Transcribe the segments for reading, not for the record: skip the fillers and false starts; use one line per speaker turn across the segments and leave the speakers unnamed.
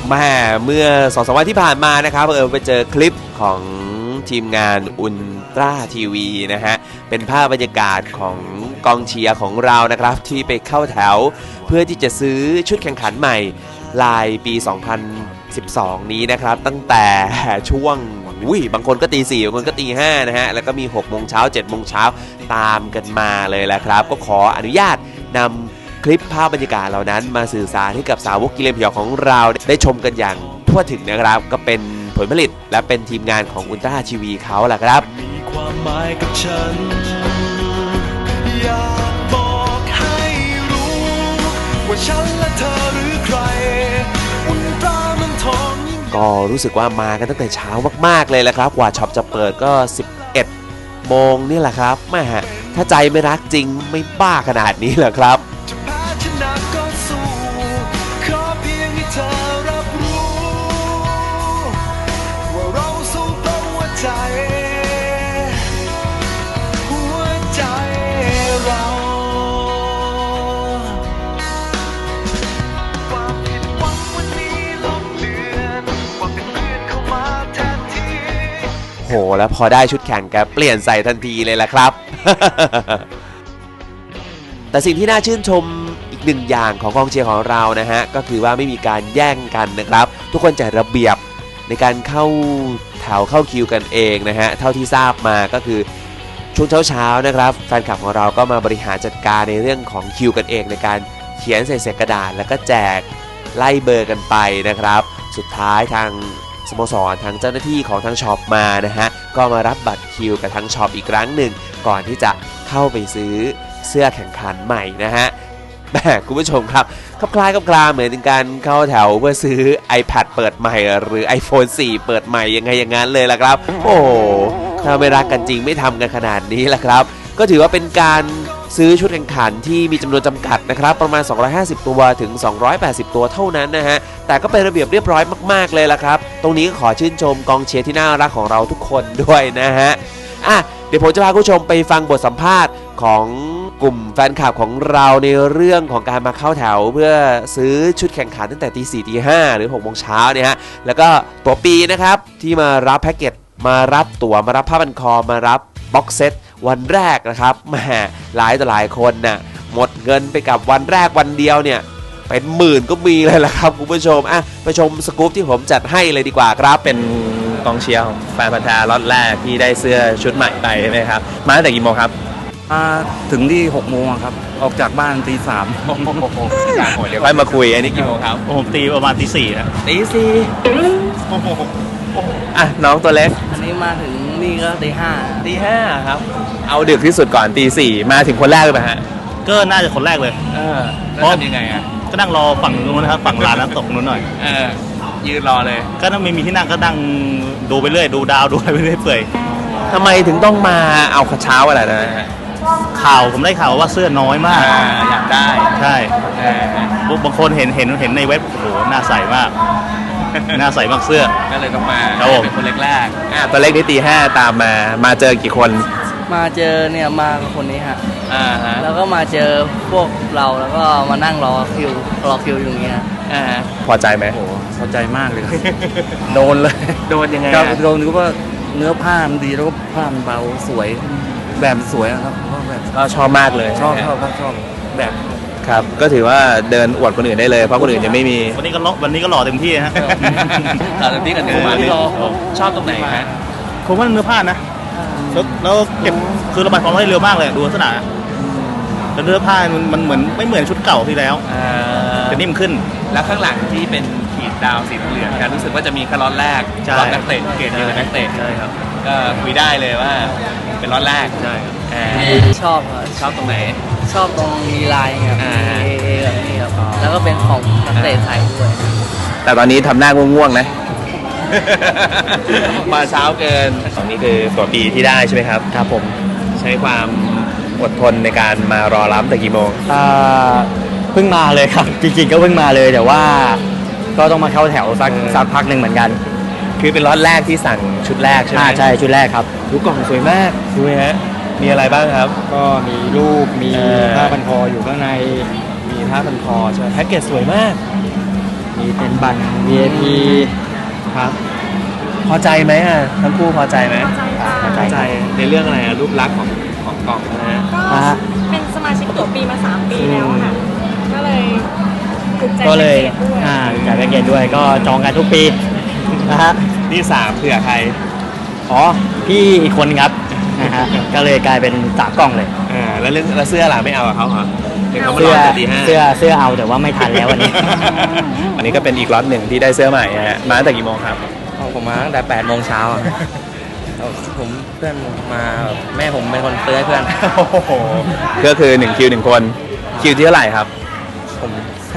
มาเมื่อ 2-3 วันที่ผ่านมานะครับไปเจอคลิปของทีมงานอุลตร้าทีวีนะฮะเป็นภาพบรรยากาศของกองเชียร์ของเรานะครับที่ไปเข้าแถวเพื่อที่จะซื้อชุดแข่งขันใหม่ลายปี 2012 นี้นะครับตั้งแต่ช่วงบางคนก็ตี 4บางคนก็ตี 5นะฮะแล้วก็มี 6 โมงเช้า 7 โมงเช้าตามกันมาเลยแหละครับก็ขออนุญาตนำคลิปภาพบรรยากาศเหล่านั้นมาสื่อสารให้กับสาวกกิเลนพยองของเราได้ชมกันอย่างทั่วถึงนะครับก็เป็นผลผลิตและเป็นทีมงานของอุลตร้าทีวีเขาแหละครับ
มีความหมายกับฉันอยากบอกให้รู้ว่าฉันและเธอหรือใครอุลตร้ามันทอง
ก็รู้สึกว่ามากันตั้งแต่เช้ามากๆเลยแหละครับกว่าช็อปจะเปิดก็ 11 โมงนี่แหละครับแม่ถ้าใจไม่รักจริงไม่บ้าขนาดนี้เหรอครับ
จะแพ้ชนะก็สู้ขอเพียงให้เธอรับรู้ว่าเราสู้เพราะหัวใจเราความผิดหวังวันนี้ลบเลือนความเป็นเพื่อนเข้ามาแทนที่
โหแล้วพอได้ชุดแข่งแกเปลี่ยนใส่ทันทีเลยล่ะครับ แต่สิ่งที่น่าชื่นชมอีกหนึ่งอย่างของกองเชียร์ของเรานะฮะก็คือว่าไม่มีการแย่งกันนะครับทุกคนจัดระเบียบในการเข้าแถวเข้าคิวกันเองนะฮะเท่าที่ทราบมาก็คือช่วงเช้าๆนะครับแฟนคลับของเราก็มาบริหารจัดการในเรื่องของคิวกันเองในการเขียนใส่กระดาษแล้วก็แจกไล่เบอร์กันไปนะครับสุดท้ายทางสโมสรทางเจ้าหน้าที่ของทางช็อปมานะฮะก็มารับบัตรคิวกับทางช็อปอีกครั้งหนึ่งก่อนที่จะเข้าไปซื้อเสื้อแข่งขันใหม่นะฮะคุณผู้ชมครับคล้ายๆเหมือนการเข้าแถวเพื่อซื้อ iPad เปิดใหม่หรือ iPhone 4 เปิดใหม่ยังไงอย่างนั้นเลยล่ะครับโอ้ถ้าไม่รักกันจริงไม่ทำกันขนาดนี้ล่ะครับก็ถือว่าเป็นการซื้อชุดแข่งขันที่มีจำนวนจำกัดนะครับประมาณ250ตัวถึง280ตัวเท่านั้นนะฮะแต่ก็เป็นระเบียบเรียบร้อยมากๆเลยล่ะครับตรงนี้ก็ขอชื่นชมกองเชียร์ที่น่ารักของเราทุกคนด้วยนะฮะเดี๋ยวผมจะพาคุณผู้ชมไปฟังบทสัมภาษณ์ของกลุ่มแฟนคลับของเราในเรื่องของการมาเข้าแถวเพื่อซื้อชุดแข่งขันตั้งแต่ตี 4 ตี 5 หรือ 6 โมงเช้าเนี่ยฮะแล้วก็ตัวปีนะครับที่มารับแพ็กเกจมารับตั๋วมารับผ้าพันคอมารับบ็อกเซตวันแรกนะครับแหมหลายต่อหลายคนน่ะหมดเงินไปกับวันแรกวันเดียวเนี่ยเป็นหมื่นก็มีเลยล่ะครับคุณผู้ชมไปชมสกู๊ปที่ผมจัดให้เลยดีกว่าครับเป็นกองเชียร์ของแฟนพันธุ์แท้ล็อตแรกที่ได้เสื้อชุดใหม่ไปใช่ไหมครับมาตั้งแต่กี่โมงครับ
มาถึงที่ 6 โมงครับออกจากบ้านตี 3
เดี๋ยวค่อยมาคุยอันนี้กี่โมงครับ
ผมตีประมาณตี 4นะ
ตี 4น้องตัวเล็ก
อันนี้มาถึงนี่ก็ตี
5ครับเอาดึกที่สุดก่อนตี 4มาถึงคนแรกเลยไหมฮะ
ก็น่าจะคนแรกเลย
เพราะทำยังไง
ก็นั่งรอฝั่งนู้นนะครับฝั่งร้านน้ำตกนู้นหน่อย
ยืนรอเลย
ก็ไม่มีที่นั่งก็นั่งดูไปเรื่อยดูดาวดูอะไรไปเรื่อยเปื่อย
ทำไมถึงต้องมาเอาเช้าอะไรนะฮะ
ข่าวผมได้ข่าวว่าเสื้อน้อยมาก
อยากได้
ใช่บางคนเห็นในเว็บโอ้โหน่าใส่มากน่าใส่มากเสื้อ
ก็เลยต้องมา
เป็น
คนแรกตัวเล็กนี่ตี 5ตามมาเจอกี่คน
มาเจอเนี่ยมากับคนนี้ฮะแล้วก็มาเจอพวกเราแล้วก็มานั่งรอคิวอยู่อย่างเงี้ย
พอใจไหม
โอ้พอใจมากเลย
โดนเลยโดนยังไง
โดนก็ว่าเนื้อผ้ามันดีแล้วก็ผ้ามันเบาสวยแบบสวยครับ
ก็ชอบมากเลย
ชอบแบบ
ครับก็ถือว่าเดินอวดคนอื่นได้เลยเพราะคนอื่นจะไม่มี
วันนี้ก็หล่อเต็มที่ฮะ
หล่อเต็มที่กันเนื้อผ้าชอบตรงไหนฮะ
ผมว่าเนื้อผ้านะแล้วเก็บคือระบายความร้อนได้เร็วมากเลยดูลักษณะแล้วเนื้อผ้ามันเหมือนไม่เหมือนชุดเก่าที่แล้วจะนิ่มขึ้น
แล้วข้างหลังที่เป็นขีดดาวสีเหลืองกันรู้สึกว่าจะมีแค่ล็อตแรกล็อตนักเตะเกรดเดียวกับนักเตะ
ใช่ครับ
ก็คุยได้เลยว่าเป็นล็อตแรก
ใช่
ชอบ
ตรงไหน
ชอบตรงมีลายครับแบบนี้ครับแล้วก็เป็นของนักเตะใส่ด้วย
แต่ตอนนี้ทำหน้าง่วงๆนะมาเช้าเกินตอนนี้คือตัวปีที่ได้ใช่ไหมครับ
ครับผม
ใช้ความอดทนในการมารอรับแต่กี่โมง
เพิ่งมาเลยครับจริงๆก็เพิ่งมาเลยแต่ว่าก็ต้องมาเข้าแถวสักพักหนึ่งเหมือนกัน
คือเป็นล็อตแรกที่สั่งชุดแรกใช่ไหม
ใช่ชุดแรกครับ
ดูกล่องสวยมากดูไหมฮะมีอะไรบ้างครับ
ก็มีรูปมีผ้าพันคออยู่ข้างใน
มีผ้าพันคอใช่ไหมแพ็กเกจสวยมาก
มีเป็นบัตร VIP ครับ
พอใจไหมอ่ะทั้งคู่พอใจไหม
พอใจ
ในเรื่องอะไรอ่ะรูปลักษณ์ของกล่องนะฮะ
ก็เป็นสมาชิกตั๋วปีมา3 ปีแล้วค่ะ ก็เลยถูกใจ
ก็เลย
แพ็กเกจด้วย
จ่ายแพ็กเกจด้วยก็จองกันทุกปีนะฮะ
นี่3เผื่อใคร
อ๋อพี่อีกคนครับนะฮะก็เลยกลายเป็น3 กล่องเลย
แล้วเสื้อล่ะไม่เอากับเขาเหรอเดี๋ยวเขามา
เสื้
ร
อ
อตีห้า
เสื้อเอาแต่ว่าไม่ทันแล้ววันนี้
อันนี้ก็เป็นอีกล็อตหนึ่งที่ได้เสื้อใหม่ฮะมาตั้งแต่กี่โมงครับ
ผมมาตั้งแต่8 โมงเช้าอ่ะผมเพื่อนมาแม่ผมเป็นคนซื้อให้เพื่อน
โอ้โหก็คือ1 คิว 1 คนคิวที่เท่าไหร่ครับ
ผม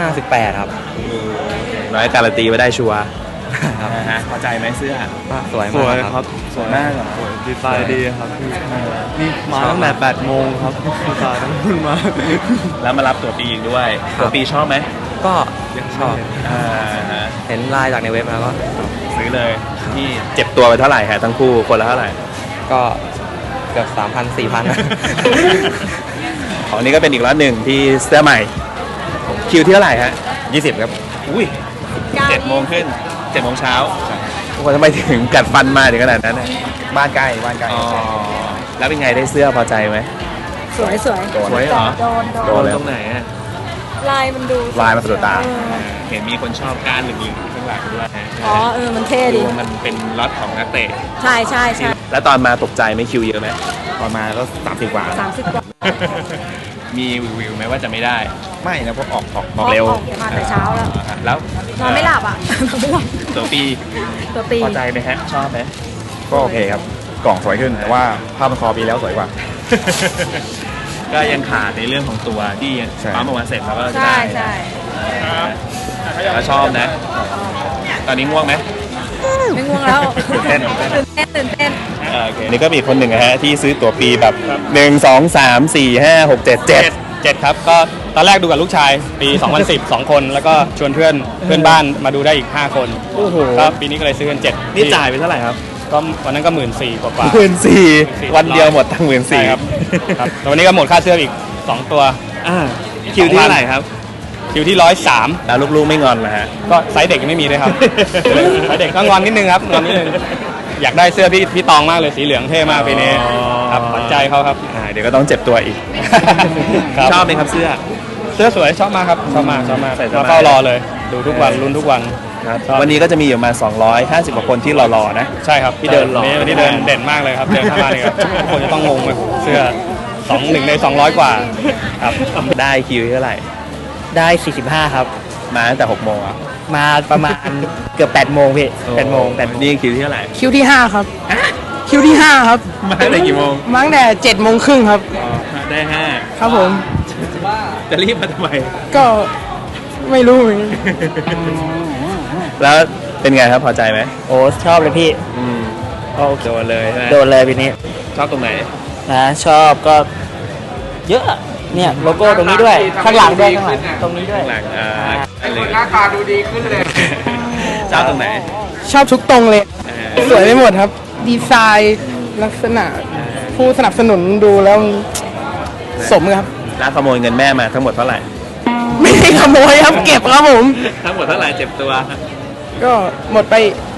58 ครับ
น้อยการันตีไว้ได้ชัวร์
ครับ
นะฮะพอใจไหมเสื้อ
สวยมากครับ
สวยมากเหรอ
ดีไซน์ดีครับพี่นี่มาตั้งแต่8 โมงครับดีไซน์ตั้งแต่มา
แล้วมารับตัวปีอีกด้วยตัวปีชอบไหม
ก็ชอบ
อ่าฮะ
เห็นไลน์จากในเว็บแล้วก็
ซื้อเลยที่เจ็บตัวไปเท่าไหร่ฮะทั้งคู่คนละเท่าไหร่
ก็เกือบ 3,000 4,000นะ
ของนี้ก็เป็นอีกล็อตหนึ่งที่เสื้อใหม่คิวที่เท่าไหร่ฮะ
20 ครับ
อุ้ย7 โมงขึ้น7 โมงเช้าทุกคนทำไมถึงกัดฟันมาถึงขนาดนั้นเนี่ยบ้านใกล้อ๋อแล้วเป็นไงได้เสื้อพอใจไหม
สวยสวย
สวยเหรอ
โดน
ตรงไหนอ่ะ
ลายมันดู
ลายมันสะดุดตา
เออ
เห็นมีคนชอบก้านเหลืองๆข้างหลังด้วยฮะ
อ๋อมันเท่ดี
ดูมันเป็นล็อตของนักเตะ
ใช่ใช่ใช่
แล้วตอนมาตกใจไหมคิวเยอะไหม
ตอนมาก็30 กว่า
30 กว่า
มีวิวไหมว่าจะไม่ได้
ไม่นะเพราะออก
บอกเร็ว
ออกมาแต่เช้าแล้ว
แล้ว
นอนไม่หลับอ่ะ นอนไม่หลับ
ตัวปี
ตัวปี
พอใจไหมฮะชอบไหม
ก็โอเคครับ กล่องสวยขึ้น แต่ว่าผ้าพันคอปีแล้วสวยกว่า
ก็ยังขาดในเรื่องของตัวที่ยัง
ใช่
ปั๊มออกมาเสร็จแล้วก็จะ
ใช่
ได้
ใช่
แล้วชอบนะ ตอนนี้ง่วงไหม
ไม่ง่วงแล้ว
ตื่นเต้น
ตื่นเต้น
โอเคนี่ก็มีคนหนึ่งนะฮะที่ซื้อตั๋วปีแบบ 1 2 3 4 5 6 7
7 ครับก็ตอนแรกดูกับลูกชายปี 2010 2 คนแล้วก็ชวนเพื่อนบ้านมาดูได้อีก 5 คน
โอ้โห
ก็ปีนี้ก็เลยซื้อกัน7
นี่จ่ายไปเท่าไหร่ครับ
ก็วันนั้นก็ 14,000 กว่า
14,000วันเดียวหมดตั้ง
ใช่ครับครับแล้ววันนี้ก็หมดค่าเสื้ออีก 2 ตัว
คิวที่เท่าไหร่ครับ
คิวที่ 103
แล้วลูกๆไม่งอนเหรอฮะ
ก็ไซส์เด็กยังไม่มีเลยครับ ไซส์เด็กก็งอนนิดนึงครับงอนนิดนึงอยากได้เสื้อพี่ตองมากเลยสีเหลืองเท่มากปีนี้ครับขวัญใจเขาครับ
เดี๋ยวก็ต้องเจ็บตัวอีก
ครับ
ชอบไหมครับเสื้อ
เสื้อสวยชอบมากครับชอบมาก
ใส่สบาย
มาเฝ้ารอเลย ดูทุกวันลุ้นทุกวัน ชอบ
วันนี้ก็จะมีอยู่มา250กว่าคนที่รอๆนะ
ใช่ครับ
ที่เดินรอ
วันนี้เดินเด่นมากเลยครับเดินเข้ามาเลยครับทุกคนจะต้องงงเลยเสื้อ1 ใน 200 กว่าครับ
ได้คิวเท่าไหร่
ได้ 45 ครับ
มาตั้งแต่6 โมงอ่ะ
มาประมาณ เกือบ8 โมงพี่8 โมง
นี่คิวที่เท่าไหร่
คิวที่ 5 ครับ คิวที่ 5 ครับ
มาตั้งแต่กี่โมง
มาตั้งแต่7 โมงครึ่งครับ
ได้
ครับผม
5จะรีบมาทำไม
ก็ไม่รู้เหมือนกัน
แล้วเป็นไงครับพอใจไหม
โอ้ชอบเลยพี่
โอเคโดนเลยใช่ไหม
โดนเลยปีนี้
ชอบตรงไหน
นะชอบก็เยอะเนี่ยโลโก้ตรงนี้ด้วยข้างหลังด้วยข้างหลังตรงนี้ด้วย
หลังหน้าตาดูดีขึ้นเลยชอบตรงไหน
ชอบทุกตรงเลย
อ่า
สวยไปหมดครับ ดีไซน์ลักษณะ ผู้สนับสนุนดูแล้วสมครับ
แล้วขโมยเงินแม่มาทั้งหมดเท่าไหร่
ไม่ได้ขโมยครับ เก็บครับผม
ทั้งหมดเท่าไหร่เจ็บตัว
ก็หมดไป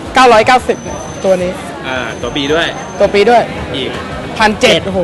990เนี่ยตัวนี้
ตัวปีด้วย
ตัวปีด้วย
อีก
1,700โอ้โห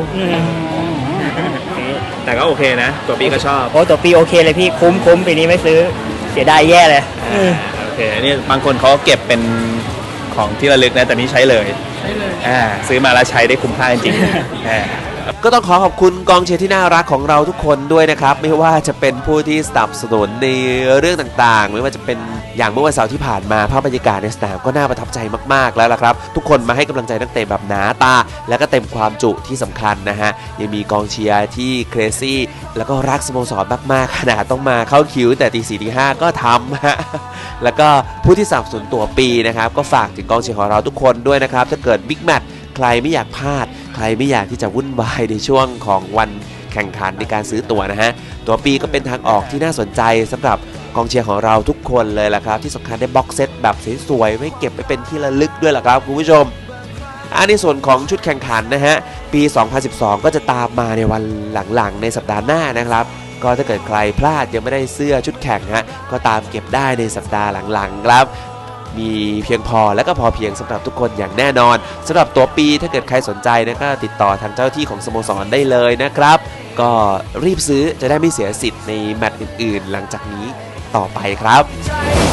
แต่ก็โอเคนะ ตัวปีก็ชอบ
โอ้ตัวปีโอเคเลยพี่คุ้มปีนี้ไม่ซื้อเสียดายแย่เลย
โอเคนี่บางคนเขาเก็บเป็นของที่ระลึกนะแต่นี่ใช้เลยซื้อมาแล้วใช้ได้คุ้มค่าจริงๆ ก็ต้องขอขอบคุณกองเชียร์ที่น่ารักของเราทุกคนด้วยนะครับ ไม่ว่าจะเป็นผู้ที่สนับสนุนในเรื่องต่างๆไม่ว่าจะเป็นอย่างเมื่อวันเสาร์ที่ผ่านมาภาพบรรยากาศในสนามก็น่าประทับใจมากๆแล้วล่ะครับทุกคนมาให้กำลังใจนักเตะแบบหนาตาและก็เต็มความจุที่สำคัญนะฮะยังมีกองเชียร์ที่เครซี่แล้วก็รักสโมสรมากๆขนาดต้องมาเข้าคิวแต่ตี 4 ตี 5ก็ทำฮะแล้วก็ผู้ที่สนับสนุนตัวปีนะครับก็ฝากถึงกองเชียร์ของเราทุกคนด้วยนะครับถ้าเกิดบิ๊กแมตช์ใครไม่อยากพลาดใครไม่อยากที่จะวุ่นวายในช่วงของวันแข่งขันในการซื้อตั๋วนะฮะตัวปีก็เป็นทางออกที่น่าสนใจสำหรับกองเชียร์ของเราทุกคนเลยล่ะครับที่สำคัญได้บ็อกเซตแบบสวยๆไว้เก็บไปเป็นที่ระลึกด้วยล่ะครับคุณผู้ชมในส่วนของชุดแข่งขันนะฮะปี 2012 ก็จะตามมาในวันหลังๆในสัปดาห์หน้านะครับก็ถ้าเกิดใครพลาดยังไม่ได้เสื้อชุดแข่งฮะก็ตามเก็บได้ในสัปดาห์หลังๆครับมีเพียงพอและก็พอเพียงสำหรับทุกคนอย่างแน่นอนสำหรับตั๋วปีถ้าเกิดใครสนใจนะก็ติดต่อทางเจ้าที่ของสโมสรได้เลยนะครับก็รีบซื้อจะได้ไม่เสียสิทธิ์ในแมตช์อื่นๆหลังจากนี้ต่อไปครับ